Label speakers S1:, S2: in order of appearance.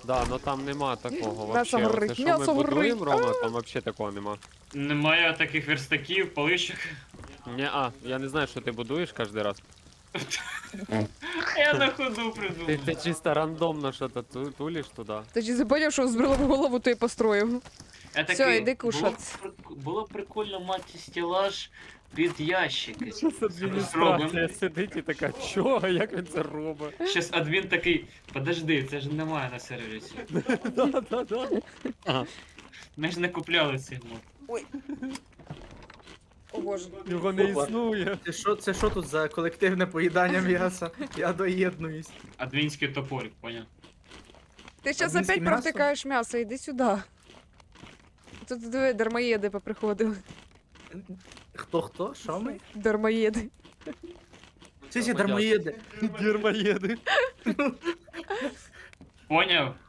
S1: Да, но там нема такого
S2: М'ясо
S1: вообще.
S2: горить,
S1: Оце, що
S2: м'ясо
S1: ми будуємо,
S2: горить.
S1: Рома, там вообще такого нема.
S3: Немає таких верстаків, поличок.
S1: Я не знаю, що ти будуєш кожен раз.
S3: Я на ходу
S1: Ти
S3: придумав.
S1: чисто рандомно щось тулиш туди.
S2: Ти ж забув, що збрила в голову, то й построїв.
S3: Я
S2: Всё,
S3: такий,
S2: іди кушать.
S3: Було б прикольно мати стелаж під ящики.
S1: Щас
S3: адміністрація
S1: сидить і така, чо, як він це робить?
S3: Щас адмін такий, подожди, це ж немає на сервері.
S1: Да.
S3: Ми ж не купляли цей мод.
S2: О боже.
S1: Його не
S4: Опа.
S1: існує.
S4: Це що тут за колективне поїдання м'яса? Я доєднуюсь.
S3: Адмінський топорик, поняв.
S2: Ти зараз
S4: Адмінське
S2: опять
S4: м'ясо?
S2: провтикаєш м'ясо, іди сюди. Тут диви, дармоєди поприходили.
S4: Хто? Що ми?
S2: Дармоєди.
S4: Ці дармоїди.
S1: Дермоєди.
S3: Поняв?